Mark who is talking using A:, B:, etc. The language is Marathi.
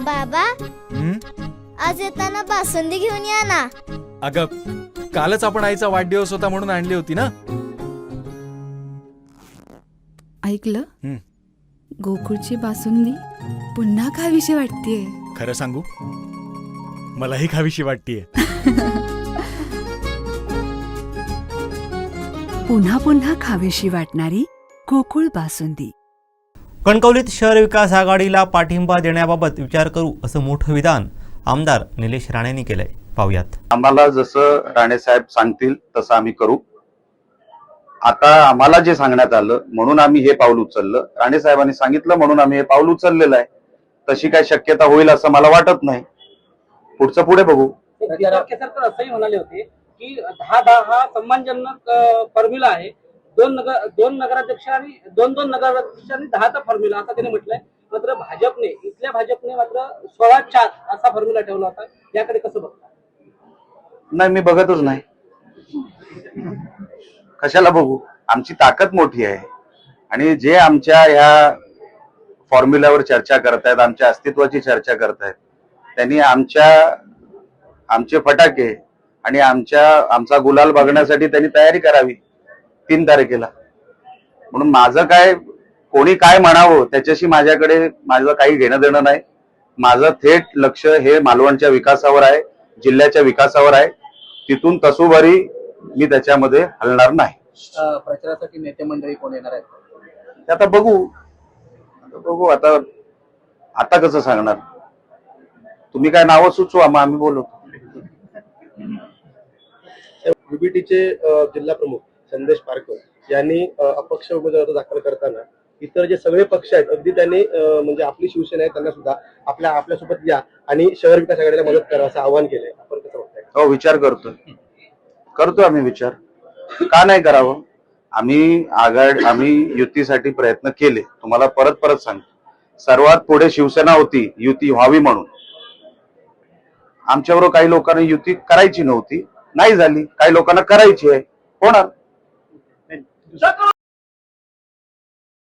A: बाबा आज येताना बासुंदी घेऊन या ना.
B: अगं कालच आपण आईचा वाढदिवस होता म्हणून आणली होती ना.
C: ऐकलं, गोकुळची बासुंदी पुन्हा खावीशी वाटतेय.
B: खरं सांगू, मलाही खावीशी वाटतेय.
C: पुन्हा पुन्हा खावीशी वाटणारी गोकुळ बासुंदी.
D: कणकवलीत शहर विकास आघाडीला पाठिंबा देण्याबाबत विचार करू असं मोठं विधान आमदार निलेश राणेंनी केलंय. पाहुयात.
E: आम्हाला जसं राणे साहेब सांगतील तसं आम्ही करू. आता आम्हाला जे सांगण्यात आलं म्हणून आम्ही हे पाऊल उचललं. राणे साहेबांनी सांगितलं म्हणून आम्ही हे पाऊल उचललेलं आहे. तशी काय शक्यता होईल असं मला वाटत नाही. पुढचं पुढे बघू.
F: असंही म्हणाले होते की 10-10 हा सन्मानजनक फॉर्म्युला आहे. दोन नगराध्यक्ष आणि दोन नगराध्यक्षांनी 10चा फॉर्म्युला असं त्यांनी म्हटलंय. मात्र इथल्या भाजपने मात्र 16-4 असा फॉर्म्युला ठेवला होता. याकडे कसं बघता?
E: नाही, मी बघतच नाही. कशाला बघू? आमची ताकद मोठी आहे आणि जे आमच्या ह्या फॉर्म्युल्यावर चर्चा करतायत, आमच्या अस्तित्वाची चर्चा करतायत, त्यांनी आमचे फटाके आणि आमचा गुलाल बघण्यासाठी त्यांनी तयारी करावी 3 तारखेला. म्हणून माझं काय, कोणी काय म्हणावं त्याच्याशी माझं काही घेणं देणं नाही. माझं थेट लक्ष हे मालवणच्या विकासावर आहे, जिल्ह्याच्या विकासावर आहे. तिथून तसूभरी मी त्याच्यामध्ये हलणार नाही.
F: प्रचारासाठी नेते मंडळी कोण येणार आहेत
E: ते आता बघू. आता कसं सांगणार? तुम्ही काय नावं सुचवा, मग आम्ही बोलू.
G: युबीटीचे जिल्हा प्रमुख संदेश पारकर यांनी अपक्ष उमेदवार दाखल करताना इतर जे सगळे पक्ष आहेत अगदी त्यांनी म्हणजे आपली शिवसेना आहे त्यांना सुद्धा आपल्यासोबत या आणि शहर विकास आघाडीला मदत करा असं आवाहन केलंय. आपण कसं बघताय?
E: हो, विचार करतो आम्ही विचार. का नाही करावं? आम्ही युतीसाठी प्रयत्न केले. तुम्हाला परत सांगतो, सर्वात पुढे शिवसेना होती युती व्हावी म्हणून. आमच्याबरोबर काही लोकांना युती करायची नव्हती, नाही झाली. काही लोकांना करायची आहे, होणार.